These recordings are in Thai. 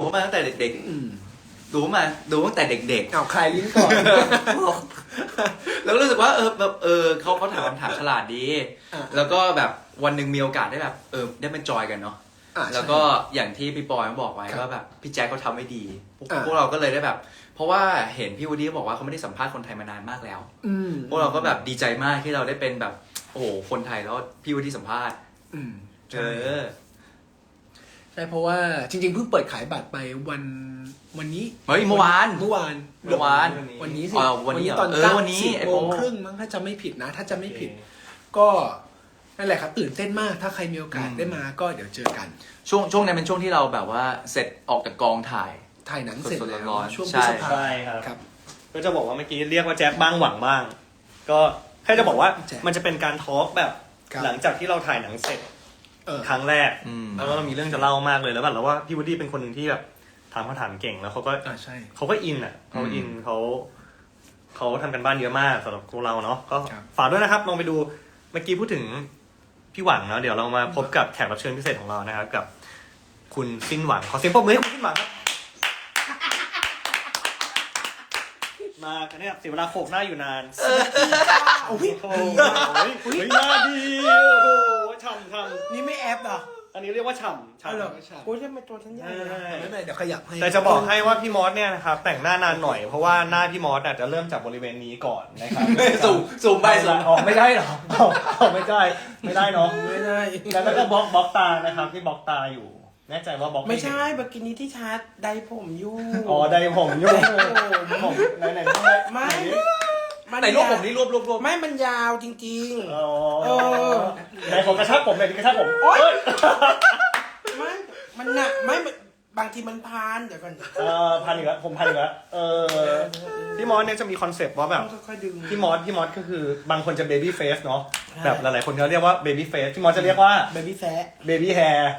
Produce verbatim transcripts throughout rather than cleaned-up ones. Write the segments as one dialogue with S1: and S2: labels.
S1: เขามาตั้งแต่เด็กๆดูมาดูตั้งแต่เด็กๆ
S2: เอาใครลิ้นก่อน
S1: แล้วรู้สึกว่าเออแบบเออเขาเขาถามคำถามฉลาดดีแล้วก็แบบวันหนึ่งมีโอกาสได้แบบเออได้เป็นจอยกันเนาะแล้วก็อย่างที่พี่ปอยเขาบอกไว้ว่าแบบพี่แจ็คเขาทำไม่ดีพวกเราก็เลยได้แบบเพราะว่าเห็นพี่วูดดี้บอกว่าเขาไม่ได้สัมภาษณ์คนไทยมานานมากแล้วพวกเราก็แบบดีใจมากที่เราได้เป็นแบบโอ้โหคนไทยแล้วพี่วูดดี้สัมภาษณ์เออ
S2: ใช่เพราะว่าจริงๆเพิ่งเปิดขายบัตรไปวันวันนี้
S1: เฮ้ยเมื่อวาน
S2: เมื่อวาน
S1: เมื่อวาน
S2: วันนี้สิ
S1: วันนี้
S2: ตอน
S1: เออวันนี้
S2: สิบโมงครึ่งมั้งถ้าจะไม่ผิดนะถ้าจะไม่ผิดก็นั่นแหละครับตื่นเต้นมากถ้าใครมีโอกาสได้มาก็เดี๋ยวเจอกัน
S1: ช่วงช่วงนั้นเป็นช่วงที่เราแบบว่าเสร็จออกจากกองถ่าย
S2: ถ่ายหนังเสร็จแล้วช่วงพ
S3: ฤษภาคมครับก็จะบอกว่าเมื่อกี้เรียกว่าแจ็คบ้างหวังบ้างก็แค่จะบอกว่ามันจะเป็นการทอล์กแบบหลังจากที่เราถ่ายหนังเสร็จครั้งแรกแล้วก็เรามีเรื่องจะเล่ามากเลยแล้วแบบเราว่าพี่วูดดี้เป็นคนหนึ่งที่แบบถามคำถามเก่งแล้วเขาก็เขาก็อินอ่ะเขาอินเขาเขาทำกันบ้านเยอะมากสำหรับพวกเราเนาะก็ฝากด้วยนะครับลองไปดูเมื่อกี้พูดถึงพี่หวังเนาะเดี๋ยวเรามาพบกับแขกรับเชิญพิเศษของเรานะครับกับคุณสิ้นหวังขอเสียงปรบมือให้คุณสิ้นหวังครับมากันเนี่ยเสียเวลาโขกหน้าอยู่นานโอ้โหเฮ้ยหน้าดีโอ้โหฉ่ำฉ่ำ
S2: นี่ไม่แอปหรอ
S3: อันนี้เรียกว่าฉ่ำฉ่
S2: ำโอ้ยจะเป็นตัวฉันใหญ่ไม่เป็นเดี๋ยวขยับให้
S3: แต่จะบอกให้ว่าพี่มอสเนี่ยนะครับแต่งหน้านานหน่อยเพราะว่าหน้าพี่มอสอาจจะเริ่มจากบริเวณนี้ก่อนนะครับ
S1: สูงสูงไปสูง
S3: ออกไม่ได้หรอออกไม่ได้ไม่ได้เนาะ
S2: ไม่ได้
S3: แล้วก็บล็อกบล็อกตานะครับที่บล็อกตาอยู่แน่ใจว่าบล็อก
S2: ไม่ใช่เมื่อกี้นี้ที่ชาร์จไดผมอยู่
S3: อ๋อไดผมอยู่ผมไหนไหน
S2: ไม่
S1: ไหนรวบผมนี่รวบรวบรวบ
S2: ไม่มันยาวจริงๆอ๋อ
S3: ไหนผมกระชากผมไหนกระชากผมโอ๊ย
S2: ไม่มันหนักไม่บางทีมันพานเดี๋ยวก่อน
S3: เออพันอีกแล้วผมพันอีกแล้วเออพี่มอสเนี่ยจะมีคอนเซปต์ว่าแบบพี่มอสพี่มอสก็คือบางคนจะเบบี้เฟสเนาะแบบหลายๆคนเขาเรียกว่าเบบี้เฟสพี่มอสจะเรียกว่า
S2: เบบี้แฟร์
S3: เบบี้แฮร์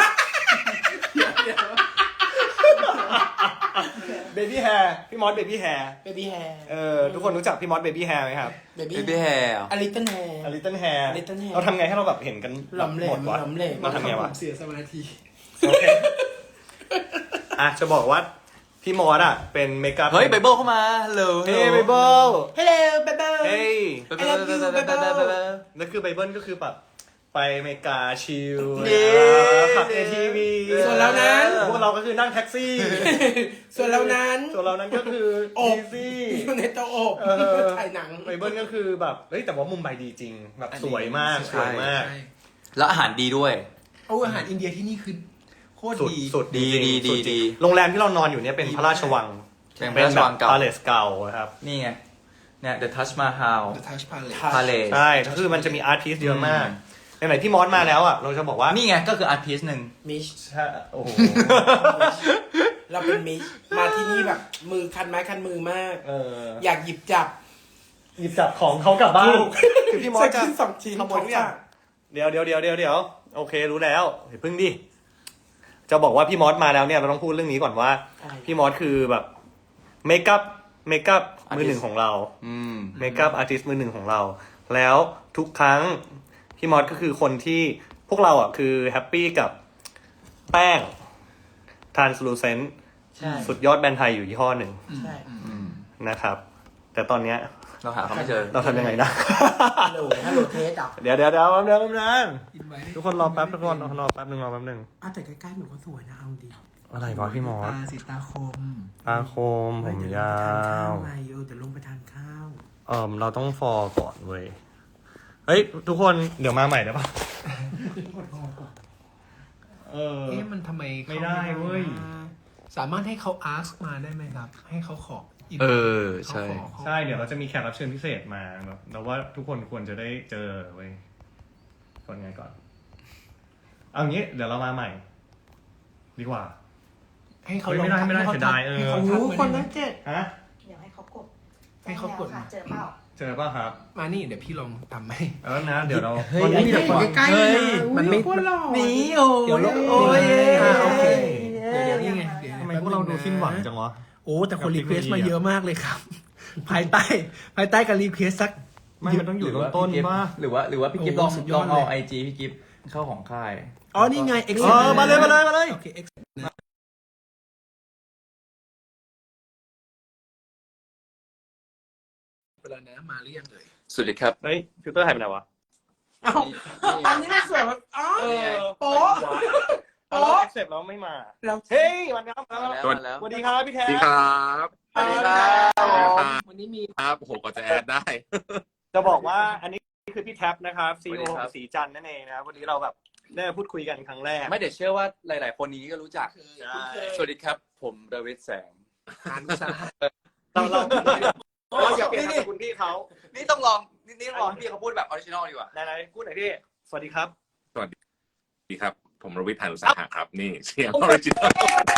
S3: เบบี้แฮร์พี่มอสเบบี้แฮร์
S2: เบบี้แฮร์
S3: เออทุกคนรู้จักพี่มอสเบบี้แฮร์ไหมครับ
S1: เบบี้แฮร์
S2: อลิตเติ้ลแฮร์
S3: อลิตเติ้ลแฮร์เราทำไงให้เราแบบเห็นกัน
S2: หล่อมเหลวหล่อมเหลว
S3: เราทำไงวะ
S2: เสียสมาธิ
S3: โอเคอ่ะจะบอกว่าพี่มอสอ่ะเป็นเมคอัพ
S1: เฮ้ยไบเบิลเข้ามาฮัลโหล
S3: เฮ้ยไบเบิล
S2: ฮัลโหลไบเบิล
S3: เฮ้ย
S2: ไบเบิลไบเบิล
S3: นั่นคือไบเบิลก็คือแบบไปอเมริกาชิลขับ เอ ที วี
S2: ส่วนเรานั้น
S3: พวกเราก็คือนั่งแท็กซี่
S2: ส่วนเรานั้น
S3: ส่วนเรานั้นก็คือ
S2: อีซี่อยู่ในโต๊ะอบถ่ายหนัง
S3: ไบเบิลก็คือแบบเฮ้ยแต่ว่ามุมไบดีจริงแบบสวยมากสวยมาก
S1: แล้วอาหารดีด้วย
S2: โอ้อาหารอินเดียที่นี่คือโคตรดี
S3: สุด
S1: ดีดีดีดี
S3: โรงแรมที่เรานอนอยู่เนี่ยเป็นพระราชวัง
S1: เป็นพระราชวังเก่า
S3: Palace เก่าครับ
S1: นี่ไงเนี่ย The Taj Mahal
S2: The Taj
S1: Palace
S3: ใช่คือมันจะมีอาร์ตพีซเยอะมากไหนๆพี่มอสมาแล้วอ่ะเราจะบอกว่า
S1: นี่ไงก็คืออาร์ตพีซหนึ่ง
S2: มิช
S3: ใช่โอ้โห
S2: เราเป็นมิชมาที่นี่แบบมือคันไม้คันมือมาก
S3: เออ
S2: อยากหยิบจับ
S3: หยิบจับของเขากลับบ้านคือพี่มอสจะ
S2: สองชิ้น
S3: ขโมยทุกอย่างเดี๋ยวเดี๋ยวเดี๋ยวเดี๋ยวเดี๋ยวโอเครู้แล้วเดี๋ยวพึ่งดิจะบอกว่าพี่มอสมาแล้วเนี่ยเราต้องพูดเรื่องนี้ก่อนว่าพี่มอสคือแบบเมคอัพเมคอัพมือหนึ่งของเราเมคอัพอาร์ติสต์มือหนึ่งของเราแล้วทุกครั้งพี่มอสก็คือคนที่พวกเราอ่ะคือแฮปปี้กับแป้ง translucent สุดยอดแบรนด์ไทยอยู่ยี่ห้อหนึ่งนะครับแต่ตอนเนี้ย
S1: เราหาเขาไม่เจอ
S3: เราทำยังไงนะ
S2: ฮัลโหลฮัลโหลเทสอ่ะ
S3: เดี๋ยวเดี๋ยวเดี๋ยวแป๊บนึงแป๊บนึงทุกคนรอแป๊บทุกคนรอแป๊บนึงรอแป๊บนึง
S2: อ้าวแต่ใกล้ๆหนูก็สวยนะเอาดี
S3: อะไรวะพี่มอส
S2: ตาสีตาคม
S3: ตาคมผมยาว
S2: ไงเออเดี๋ยวลงไปทานข้าว
S3: เออเราต้องฟอร์ก่อนเว้ยเฮ้ยทุกคนเดี๋ยวมาใหม่ได้ปะ
S2: เออเอ๊ะมันทำไม
S3: ไม่ได้เว้ย
S2: สามารถให้เขา ask มาได้ไหมครับให้เขาขอ
S1: เออใช่
S3: ใช่เดี๋ยวเราจะมีแขกรับเชิญพิเศษมาแบบเราว่าทุกคนควรจะได้เจอเว้ยก่อนไงก่อนเอางี้เดี๋ยวเรามาใหม่ดีกว่า
S2: ให้เขา
S3: ไม่ได้ไม่ได้เสียดายเออ
S2: คนนั้นเจ็ด
S3: ฮะ
S4: เดี๋ยวให้เขากด
S2: ให้เขากด
S4: เจอเปล่า
S3: เจอป่ะครับ
S2: มานี่เดี๋ยวพี่ลองทำให้
S3: เออนะเดี๋ยวเรา
S2: ตอนนี้เดี๋ยวใกล้ๆมันไม่หนีโอ้เดี๋ยวโอ้ยโอเคเดี๋ยวนี่ไง
S3: ทำไมพวกเราดูสิ้นหวังจังวะ
S2: โอ้แต่คนรีเควสมาเยอะมากเลยครับภายใต้ภายใต้การรีเควสสัก
S3: ไม่มันต้องอยู่ต้นๆป่ะ
S1: หรือว่าหรือว่าพี่กิฟต์ลองลองเอาไอจีพี่กิฟต์เข้าของค่าย
S2: อ๋อนี่ไง
S3: เออมาเลยมาเลยมาเลย
S2: ไปแล้วนะมาหรือยังเลย
S1: สวัสดีครับ
S3: เฮ้ยฟิลเตอร์หายไปไหนวะ
S2: อ้าวอันนี้น่าสวยอ๋อ
S3: เออ
S2: โป๊ะ
S3: โป๊ะเสร็จแล้วไม่มา
S2: เรา
S3: เฮ้ยวันนี้ครับ
S1: มาแล้วมาแล้ว
S3: สวัสดีครับพี่แท้
S4: สวัสดีครับ
S1: สวัสดีครับ
S2: วันนี้มี
S4: ครับโอ้โหก็จะแอดได้
S3: จะบอกว่าอันนี้คือพี่แท็บนะครับซี
S1: สวัส
S3: อี
S1: ดี
S3: โอ
S1: ครับ
S3: สีจันทร์นั่นเองนะครับวันนี้เราแบบได้มาพูดคุยกันครั้งแรก
S1: ไม่เดี๋ยวเชื่อว่าหลาย ๆ คนนี้ก็รู้จัก
S3: ใช่
S1: สวัสดีครับ ผมดวิดแสง
S2: อ่านภาษา
S3: เราเราเราอย่าเปลี่ยนนามสกุลพี่เขา
S1: นี่ต้องลองนี่นี่ต้องลองให้พี่เขาพูดแบบออริจินอลดีกว่า
S3: ไหนๆพูดหน่อยพี่สวัสดีครับ
S4: สวัสดีครับ ผมรวิทย์หานุสาหะครับ นี่เสียงออริจินอล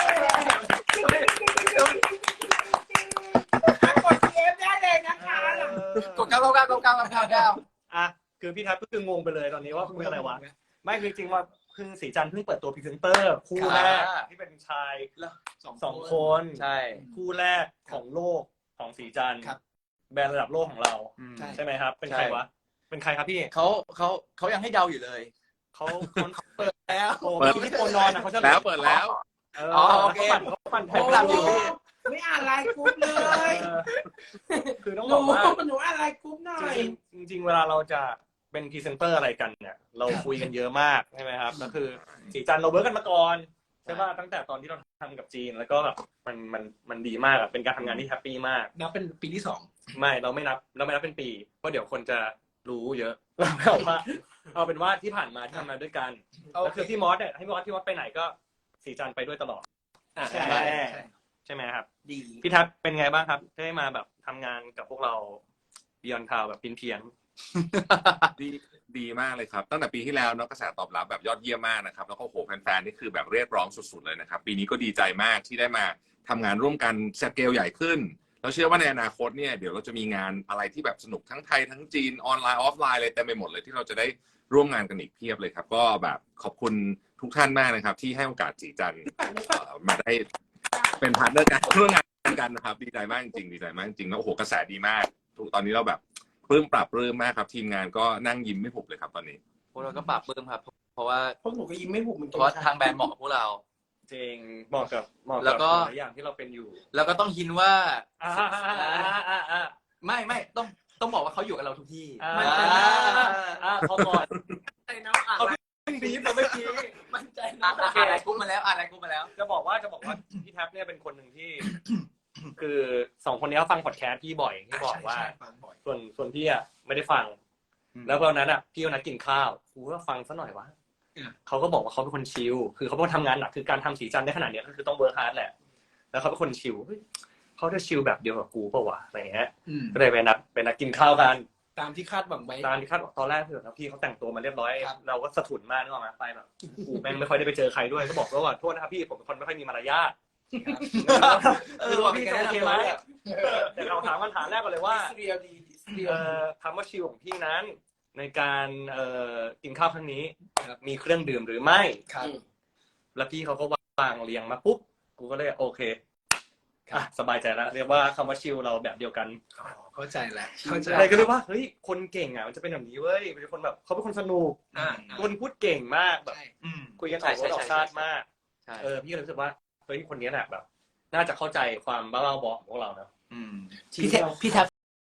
S2: กดเอฟได้เลยนะคะ
S1: กดเก้าเก้าเก้าเก้าเก้าเก้าเก้า
S3: อ่ะคือพี่แท็บก็คืองงไปเลยตอนนี้ว่าคุยอะไรวะไม่จริงๆว่าคือสีจันทร์เพิ่งเปิดตัวพรีเซนเตอร์คู่แรกที่เป็นชายสองคน
S1: ใช่
S3: คู่แรกของโลกของสีจันทร์
S2: ครับ
S3: แบรนด์ระดับโลกของเรา
S2: ใช่
S3: ใช่ไหมครับ เป็นใครวะเป็นใครครับพี่
S1: เขาเขาเขายังให้เดาอยู่เลย
S3: เขาเขาเปิด
S2: แล้ว
S3: โอ้พี่ที่โคนอนอ่ะเขาจะ
S4: แล้วเปิดแล้ว
S3: เออ
S1: อ๋อโอเค
S3: เขาปั่นเขา
S1: ผม
S3: ปั่น
S1: ทำอยู่พี่
S2: ไม่อ่านไลน์กรุ๊ปเลย
S3: เออคือต้อง
S2: ห
S3: บ
S2: นู
S3: อกว่า
S2: หนูอ่านไลน์กรุ๊ปหน่อย
S3: จริงๆจริงๆเวลาเราจะเป็นพรีเซนเตอร์อะไรกันเนี่ย เราคุยกันเยอะมากใช่ไหมครับก็คือสีจันทร์เราเวิร์กกันมาก่อนใช่ป่ะตั้งแต่ตอนที่เราทำกับจีนแล้วก็แบบมันมันมันดีมากอะเป็นการทำงานที่แฮปปี้มาก
S2: นับเป็นปีที่สอง
S3: ไม่เราไม่นับเราไม่นับเป็นปีเพราะเดี๋ยวคนจะรู้เยอะเราเอาว่าเอาเป็นว่าที่ผ่านมาที่ทำมาด้วยกันแล้วคือพี่มอสเนี่ยให้พี่มอสพี่มอสไปไหนก็สีจันทร์ไปด้วยตลอด
S2: อ่า
S3: ใช่
S2: ใช่
S3: ใช่ไหมครับ
S2: ดี
S3: พี่ทัศน์เป็นไงบ้างครับได้มาแบบทำงานกับพวกเรา Beyond Cloud แบบเพียน
S4: ดีดีมากเลยครับ ตั้งแต่ปีที่แล้วเนาะกระแสตอบรับแบบยอดเยี่ยมมากนะครับแล้วก็โหแฟนๆนี่คือแบบเรียกร้องสุดๆเลยนะครับปีนี้ก็ดีใจมากที่ได้มาทำงานร่วมกันสเกลใหญ่ขึ้นเราเชื่อว่าในอนาคตเนี่ยเดี๋ยวเราจะมีงานอะไรที่แบบสนุกทั้งไทยทั้งจีนออนไลน์ออฟไลน์เลยเต็มไปหมดเลยที่เราจะได้ร่วมงานกันอีกเพียบเลยครับก็แบบขอบคุณทุกท่านมากนะครับที่ให้โอกาสจีจันทร์เอ่อมาได้เป็นพาร์ทเนอร์กันร่วมงานกันนะครับดีใจมากจริงๆดีใจมากจริงๆแล้วโอ้โหกระแสดีมากตอนนี้เราแบบปลื้มปรับปลื้มมากครับทีมงานก็นั่งยิ้มไม่หุบเลยครับตอนนี้
S1: พวกเราก็ปรับปลื้มครับ เพราะว่า
S2: พวกหนูก็ยิ้มไม่หุบเหมือน
S1: เพ
S2: กัน
S1: ราะว่าทางแบรนด์เหมาะกับพวกเรา
S3: ๆจริงเหมาะกับเหมาะ
S1: แล้
S3: กับ
S1: วก็
S3: หลายอย่างที่เราเป็นอยู่
S1: แล้วก็ต้องหินว่า
S3: อ่าอ่าอ่าอ่าอ่า
S1: ไม่ไม่ต้องต้องบอกว่าเขาอยู่กับเราทุกที่
S3: อ่า
S1: อ่า
S3: อ่าพอก่อน
S2: ใจนะอ่าน
S3: เขาบีบเราเมื่อกี้
S2: มั่นใจ
S1: อ่า
S2: นะ
S1: อ่านอะไรกุ้มาแล้วอ่านอะไรกุ้มาแล้ว
S3: จะบอกว่าจะบอกว่าพี่แท็บเนี่ยเป็นคนหนึ่งที่ คือสองคนนี้เขาฟังพอดแคสต์พี่บ่อยที่บอกว่า
S2: ใช่ฟังบ่อย
S3: ส่วนส่วนพี่อ่ะไม่ได้ฟัง
S1: อืม
S3: แล้วตอนนั้นอ่ะพี่ก็นัดกินข้าวกูก็ฟังซะหน่อยวะ
S2: อืม
S3: เขาก็บอกว่าเขาเป็นคนชิลคือเขาเป็นคนทำงานหนักคือการทำสีจันทร์ได้ขนาดเนี้ยก็คือต้องเวิร์คฮาร์ดแหละแล้วเขาเป็นคนชิลเฮ้ยเขาจะชิลแบบเดียวกับกูเปล่าวะอะไรเงี้ย
S2: อืม
S3: ก็เลยไปนัดไปนัดกินข้าวกัน
S2: ตามที่คาดหวังไว้
S3: ตามที่คาดหวังตอนแรกคือแบบพี่เขาแต่งตัวมาเรียบร้อย
S2: ครับ
S3: เราก็สะทุนมากนึกออกไหมไปแบบกูแม่งไม่ค่อยได้ไปเจอใครด้วยก็บอกแล้วว่าโทษนะครับพี่ผมเป็นคนไม่ค่อยมีมารยาท
S1: เออว่าพี่จะโอเคไหม
S3: แต่เราถามคำถามแรกก่อนเลยว่า
S2: เรียลดีเรียล
S3: เอ่อคำว่าชิลของพี่นั้น ในการเอ่อกินข้าวครั้งนี้มีเครื่องดื่มหรือไม่
S2: ครับ
S3: แล้วพี่เขาก็วางเรียงมาปุ๊บกูก็เลยโอเคอ่ะสบายใจแล้วเรียกว่าคำว่าชิลเราแบบเดียวกัน
S2: อ๋อเข้าใจแหละเข้าใจ
S3: อะไรก็เลยว่าเฮ้ยคนเก่งอ่ะมันจะเป็นแบบนี้เว้ยเป็นคนแบบเขาเป็นคนสนุก
S2: อ่า
S3: คนพูดเก่งมากแบบ
S2: ใช่
S1: อืม
S3: คุยกันออกรสออกชาติมาก
S1: ใช่
S3: เออพี่ก็เลยรู้สึกว่าเฮ้ยคนนี้แหละแบบ น่าจะเข้าใจความบ้าๆบอๆของพวกเราเนอะ
S1: อืม
S2: พี่แทบพี่แทบ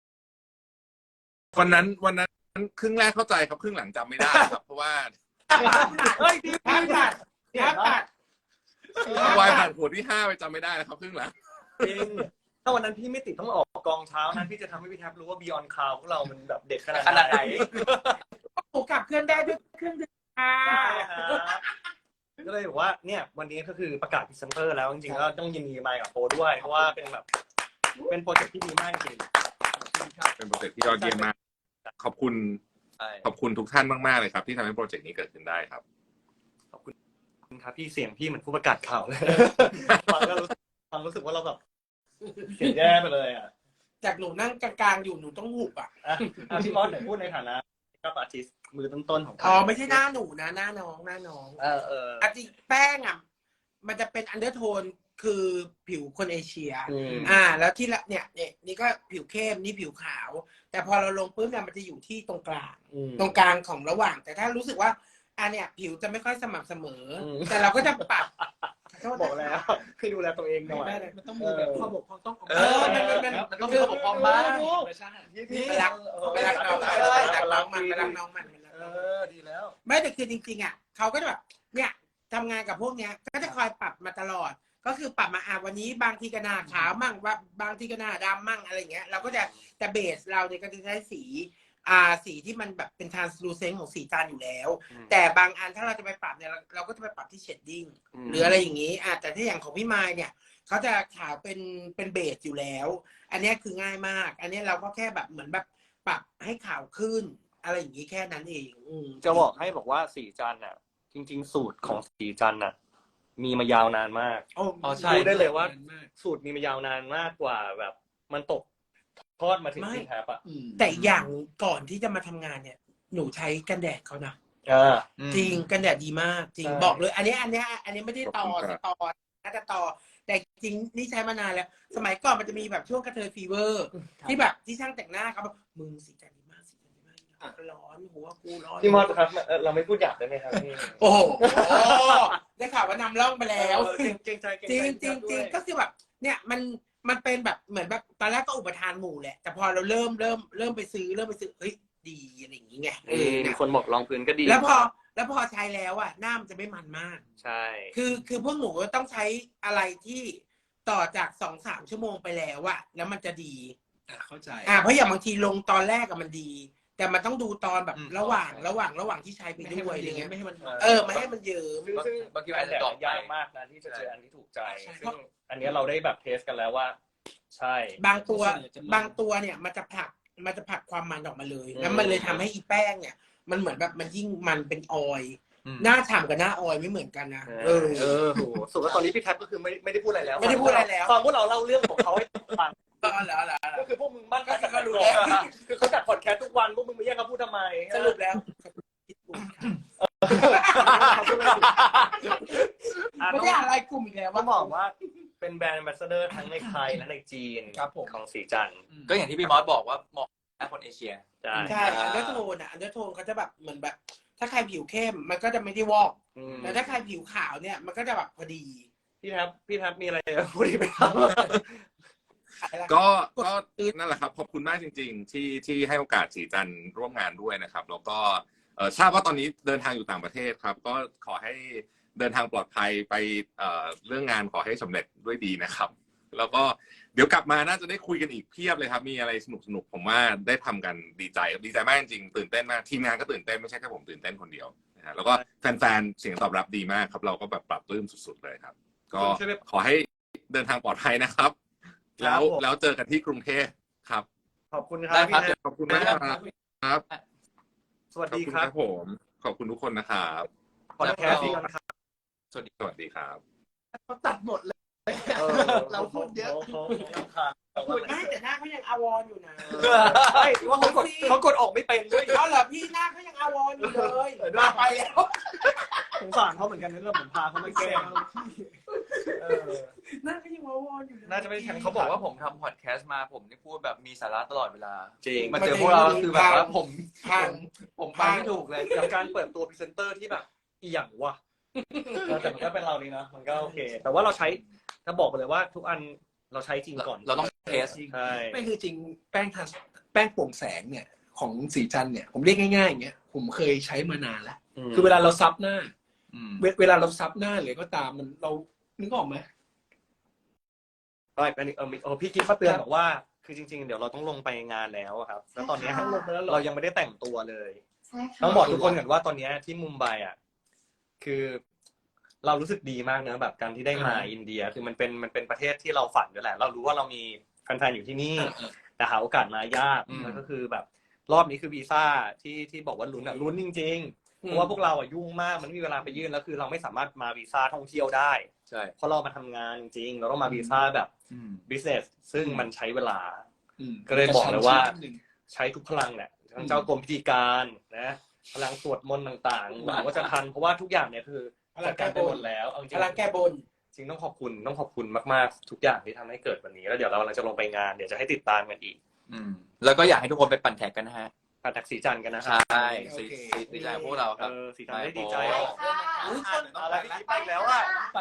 S4: วันนั้นวันนั้นครึ่งแรกเข้าใจครับครึ่งหลังจำไม่ได้ครับเพราะว่า
S3: เฮ้ยพี่
S2: แทบตัดแทบตัด
S4: วายผ่านขวดที่ห้าไปจำไม่ได้นะครับครึ่งหลัง
S3: จริงถ้าวันนั้นพี่ไม่ติดต้องออกกองเช้านั้นพี่จะทำให้พี่แทบรู้ว่า Beyond Cloud พวกเรามันแบบเด็กขนาด
S1: ขนาดไหน
S2: หนูกลับเคลื่อนได้ด้วยเครื่องดื่มค่ะ
S3: ใช่ครับก็เลยบอกว่าเนี่ยวันนี้ก็คือประกาศพรีเซนเตอร์แล้วจริงๆก็ต้องยินดีมากับโปรด้วยเพราะว่าเป็นแบบเป็นโปรเจกต์ที่ดีมากจริง
S4: เป็นโปรเจกต์ที่ยอดเยี่ยมมากขอบคุณ
S1: ใช่
S4: ขอบคุณทุกท่านมากๆเลยครับที่ทำให้โปรเจกต์นี้เกิดขึ้นได้ครับ
S3: ขอบคุณครับพี่เสียงพี่เหมือนผู้ประกาศข่าวเลยฟังก็รู้สึกฟังรู้สึกว่าเราแบบเสียงแย่ไปเลยอ่ะ
S2: จากหนูนั่งกลางๆอยู่หนูต้องหุบอ่ะ
S3: อ่ะอ่ะพี่มอสไหนพูดในฐานะกับอาร์ติสต์มือต้นๆของ
S2: อ๋อไม่ใช่หน้าหนูนะหน้าน้องหน้าน้อง
S3: เออเออ
S2: อาจริงแป้งอ่ะมันจะเป็นอันเดอร์โทนคือผิวคนเอเชีย
S3: อืม
S2: อ่า แล้วที่ละเนี่ยเนี่ยนี่ก็ผิวเข้มนี่ผิวขาว แต่พอเราลงปุ๊บเนี่ยมันจะอยู่ที่ตรงกลาง
S3: อืม
S2: ตรงกลางของระหว่าง แต่ถ้ารู้สึกว่าอันเนี่ยผิวจะไม่ค่อยสม่ำเสมออ
S3: ม
S2: แต่เราก็จะปรับ
S3: บอกแล้วให้ดูแลตัวเองหน่อย
S2: ไม่ได้มันต้องมีแบบข้อบกพร่องต้อง
S1: เออมันมันมันมันต้องมีระบบความบ้าง
S2: ไม่ใช่
S3: นี่
S2: ไปรักไปรักน้องไปรักน้องมันไปรักน้องมัน
S3: เออดีแล้ว
S5: ไม่แต่คือจริงๆอ่ะเขาก็จะแบบเนี่ยทำงานกับพวกเนี้ยก็จะคอยปรับมาตลอด ก็คือปรับมาอ่ะวันนี้บางทีก็หน้าขาวมั่งว่าบางทีก็หน้าดำมั่งอะไรเงี้ยเราก็จะแต่เบสเราเนี่ยก็จะใช้สีอ่าสีที่มันแบบเป็น translucent ของสีจานอยู่แล้ว แต่บางอันถ้าเราจะไปปรับเนี่ยเราเราก็จะไปปรับที่ shading หรืออะไรอย่างนี้อ่ะแต่ถ้าอย่างของพี่มายเนี่ยเขาจะขาวเป็นเป็นเบสอยู่แล้ว อันนี้คือง่ายมาก อันนี้เราก็แค่แบบเหมือนแบบปรับให้ขาวขึ้นอะไรอย่างนี้แค่นั้นเองอืม
S3: จะบอกให้บอกว่าสีจันทร์อ่ะจริง ๆ สูตรของสีจันทร์อ่ะมีมายาวนานมาก
S5: โอ้
S1: อ๋อใช่
S3: พูดได้เลยว่าสูตรมีมายาวนานมากกว่าแบบมันตกทอดมาถึงที่แทบอ่ะ
S5: แต่อย่างก่อนที่จะมาทำงานเนี่ย หนูใช้กันแดดเขานะ
S3: อ่า
S5: จริงกันแดดดีมากจริง
S3: ใช่
S5: บอกเลย อันนี้อันนี้อันนี้ไม่ได้ต่อ
S4: ขอบคุณครับ
S5: ต่อน่าจะต่อ แต่จริงนี่ใช้มานานแล้ว สมัยก่อนมันจะมีแบบช่วงกระเทยฟีเวอร์ ที่แบบที่ช่างแต่งหน้าเขาบอกมึงสีจันดีมากสีจันดีมากร้อนหัวกูร้อน
S3: พี่มอสครับเอ่อเราไม่พูดหยาบได้ไหมครับพี่
S5: โอ้โหได้ข่าวว่านำร่องไปแล้ว
S3: เออเก่งใจเก่ง
S5: จริ
S3: ใจ
S5: งจริงจริงก็คือแบบเนี่ยมันมันเป็นแบบเหมือนแบบตอนแรกก็อุปทานหมู่แหละแต่พอเราเริ่มเริ่มเริ่มไปซื้อเริ่มไปซื้อเฮ้ยดีอะไรอย่างงี้ไงเออ
S3: มี
S5: เนี่ย
S3: คนบอกรองพื้นก็ดี
S5: แล้วพอแล้วพอใช้แล้วอ่ะหน้ามันจะไม่มันมาก
S3: ใช่
S5: คือคือพวกหนูต้องใช้อะไรที่ต่อจากสองสามชั่วโมงไปแล้วอะแล้วมันจะดี
S2: อ่ะเข้าใจ
S5: อ่าเพราะอย่างบางทีลงตอนแรกอะมันดี แต่มันต้องดูตอนแบบ
S1: อืม
S5: ระหว่างระหว่างระหว่างที่ใช้ไป
S2: ไม่ให้
S5: ด้ว
S2: มั
S5: ย
S2: น
S5: อะไร
S2: เย
S5: เงี้
S2: อะ
S5: ย
S2: ไม่ให้มัน
S5: เออไม่ให้มันเยิ้ม
S3: ซึ่งซึ่ง
S1: บางทีอาจจะดรอปไป
S3: ยากมากนะที่จะเจออันที่ถูกใจ
S2: ใช่
S3: ซึ่งอันเนี้ยเราได้แบบเทสกันแล้วว่า ใช่
S5: บางตัว
S2: ส่วนใหญ่จะมัน
S5: บางตัวเนี่ยมันจะผลักมันจะผลักความมันออกมาเลย
S3: อืม
S5: แล้วมันเลยทำให้อีแป้งเนี่ย มันเหมือนแบบมันยิ่งมันเป็นออยล์
S1: อืม
S5: หน้าฉ่ำกับหน้าออยล์ไม่เหมือนกันนะเออ
S3: เออโหสุดว่าตอนนี้พี่แท็บก็คือไม่ไม่ได้พูดอะไรแล้ว
S5: ไม่ได้พูดอะไรแล้ว
S3: ฟังพวกเราเล่าเรื่องของเขาให้ฟัง
S5: ก็เหรอเหรอเหรอ
S3: ก็คือพวกมึงมั่น
S5: ก็ก็รู้แล้ว
S3: คือเขาจัดพอดแคสต์ทุกวันพวกมึงมาแย่งเขาพูดทำไม
S5: สรุปแล้ว
S3: อ่ะ
S5: ไม่
S3: ต้อง
S5: ได้อะไรกลุ่มอีกแล้ว
S3: ต้อ
S5: ว่าง
S3: บอกว่าเป็นแบรนด์แอมบาสเดอร์ทั้งในไทยและในจีน
S2: ครับผม
S3: ของสีจันทร์
S1: ก็อย่างที่พี่มอสบอกว่าเหมาะกับคนเอเชีย
S3: ใช่
S5: ใช่อันเดอร์โทนอ่ะอันเดอร์โทนเขาจะแบบเหมือนแบบ ถ้าใครผิวเข้มมันก็จะไม่ได้วอก
S3: อืม
S5: แต่ถ้าใครผิวขาวเนี่ยมันก็จะแบบพอดี
S3: พี่แท็บพี่แท็บมีอะไรจะพูดอีกไหมครับ
S4: ก็ก็นั่นแหละครับขอบคุณมากจริง ๆ ที่ที่ให้โอกาสสีจันทร์ร่วมงานด้วยนะครับ แล้วก็เอ่อทราบว่าตอนนี้เดินทางอยู่ต่างประเทศครับ ก็ขอให้เดินทางปลอดภัยไปเอ่อเรื่องงานขอให้สำเร็จด้วยดีนะครับ แล้วก็เดี๋ยวกลับมาน่าจะได้คุยกันอีกเพียบเลยครับ มีอะไรสนุกสนุกผมว่าได้ทำกันดีใจดีใจมากจริงๆตื่นเต้นมากทีมงานก็ตื่นเต้นไม่ใช่แค่ผมตื่นเต้นคนเดียวนะฮะแล้วก็แฟนๆเสียงตอบรับดีมากครับ เราก็แบบปรับปลื้มสุดๆเลยครับ ก็ขอให้เดินทางปลอดภัยนะครับ แล้วแล้วเจอกันที่กรุงเทพครับ
S3: ขอบคุณครั
S1: ได้
S3: บ
S1: ครับ
S3: พี่แท็บ
S4: ขอบคุณมากครับครับ
S3: สวัส
S4: ขอบ
S3: ดี
S4: คุณ
S3: ครั
S4: ครับ บผมขอบคุณทุกคนนะครับ
S3: พอดแคสต์ดีกันครับ
S4: สวัสดีสวัสดีครับ
S2: เขาตัดหมดเลย เราพูดเยอะ
S3: เขาเขาเขา
S5: ไม่แต่หน้าเขายังอาวรอยู่นะ
S3: ใช่ว่าเขากดเขากดออกไม่เป็นด้วย
S5: เอาเหรอพี่หน้าเขายังอาวรอยู่เลยมาไปแล้ว
S3: สงสารเขาเหมือนกันนะเรื่องผมพาเขาไม่แกล้งเออ
S5: หน้าเขายังอาวรอยู่
S3: น่าจะไม่ทัน
S1: เขาบอกว่าผมทำพอดแคสต์มาผมนี่พูดแบบมีสาระตลอดเวลา
S3: จริง
S1: มาเจอพวกเราก็คือแบบว่าผม
S5: พัง
S1: ผมฟังไม่ถูกเลย
S3: กับการเปิดตัวพรีเซนเตอร์ที่แบบอีหยังวะเออแต่มันก็เป็นเรานี่นะมันก็โอเค แต่ว่าเราใช้ถ้าบอกไปเลยว่าทุกอันเราใช้จริงก่อน
S1: เราต้องเทส
S3: ใช่
S2: ไม่คือจริงแป้งทาแป้งโปร่งแสงเนี่ย ของสีจันทร์เนี่ยผมเรียกง่ายๆอย่างเงี้ยผมเคยใช้มานานแล้ว คือเวลาเราซับหน้า
S1: อืม
S2: เวเวลาเราซับหน้าหรือก็ตามมันเรานึกออกไหม
S3: ใช่อันนี้เออมีเออพี่กิ๊ฟเขาเตือนบอกว่าคือจริงๆเดี๋ยวเราต้องลงไปงานแล้วอะครับแล้วตอนเนี้ย
S2: ต้องลงไปแล้วเหรอ
S3: เรายังไม่ได้แต่งตัวเลย
S6: ใช่ค่ะ
S3: ต้องบอกทุกคนก่อนว่าตอนเนี้ยที่มุมไบอ่ะคือเรารู้สึกดีมากนะแบบการที่ได้มาอินเดีย คือมันเป็นมันเป็นประเทศที่เราฝันด้วยแหละ เรารู้ว่าเรามีแฟนๆอยู่ที่นี่ แต่หาโอกาสมายาก
S1: อืม
S3: แล้วก็คือแบบรอบนี้คือวีซ่าที่ที่บอกว่าลุ้นอ่ะลุ้นจริงๆเพราะว่าพวกเราอ่ะยุ่งมากมันไม่มีเวลาไปยื่นแล้วคือเราไม่สามารถมาวีซ่าท่องเที่ยวได้
S1: ใช่
S3: เพราะเรามาทำงานจริงเราต้องมาวีซ่าแบบ
S1: อืม
S3: business ซึ่งมันใช้เวลา
S2: อืม
S3: ก็เลยบอกเลยว่า
S2: กระชั้นชิดนิดนึง
S3: ใช้ทุกพลังแหละทั้งเจ้ากรมพิธีการนะพลังสวดมนต์ต่างๆหวังว่าจะทันเพราะว่าทุกอย่างเนี่ยคือ
S5: พลั
S3: จั
S5: ง
S3: ด
S5: แก้
S3: การ
S5: บ
S3: ไป
S5: น
S3: หมดแล้วเอาจริง
S5: พลังแก้บน
S3: จริงต้องขอบคุณต้องขอบคุณมากๆ ทุกอย่างที่ทำให้เกิดวันนี้แล้วเดี๋ยวเรากำลังจะลงไปงานเดี๋ยวจะให้ติดตามกันอีก
S1: อืมแล้วก็อยากให้ทุกคนไปปั่นแท็กกันนะฮะ
S3: ผ่านแท็กสีจันทร์กันนะค
S1: ใช
S3: รับ่
S1: สีสีสีใจของพวกเราครับ
S3: เออสีจันทร์ได้ดีใจ
S6: ใช่
S3: เอา
S6: ค่ะ
S3: อะไรที่คิดไปอีกแล้วอ่ะ
S2: ไปละ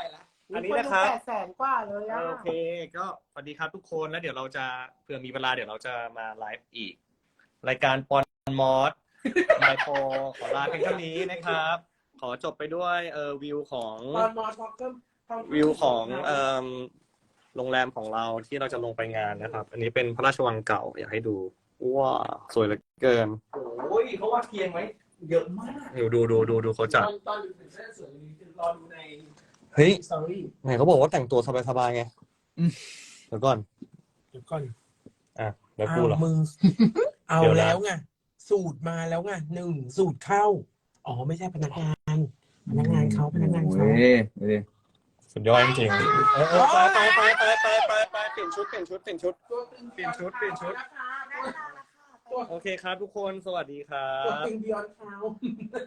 S3: อันนี้นะครับ
S5: แปดแสนกว่าเลยอะ
S3: โอเคก็สวัสดีครับทุกคนแล้วเดี๋ยวเราจะเผื่อมีเวลาเดี๋ยวเราจะมาไลฟ์อีก รายการปอนมอสไมโครขอลาเพียงเท่านี้นะครับ ขอจบไปด้วยเออวิวของ
S5: ตอนมอสก็
S3: วิวของเอ่อโรงแรมของเราที่เราจะลงไปงานนะครับ อันนี้เป็นพระราชวังเก่าอยากให้ดูว้าสวยเหลือเกิน
S2: โอ้ยเขาว่าเทียงไว้เยอะมาก
S3: ดูดูดูดูดูเขาจัด
S2: ตอนตอนอยู่ถึงเส้นสวยนี้คือรอดูใน
S3: เฮ้ย
S2: สตอรี่
S3: ไหนเขาบอกว่าแต่งตัวสบายๆไงเดี๋ยวก่อน
S6: เดี๋ยวก่อน
S3: อ่ะแล้วกูเหรอ
S6: อ้าวมึง เอา
S3: เดี๋ยวนะ
S6: แล้วไงสูตรมาแล้วไงหนึ่งสูตรเข้าอ๋อไม่ใช่พนักงาน พนักงานเขาพนักงานเขา
S3: สุดยอดจริงๆเออเออไปไปไปไปไปไปไปเปลี่ยนชุดเปลี่ยนชุดเปลี่ยนชุด เปลี่ยนชุดเปลี่ยนชุด โอเคครับทุกคนสวัสดีครั
S2: ตัว
S3: บ
S2: ตึงบิยอนเขา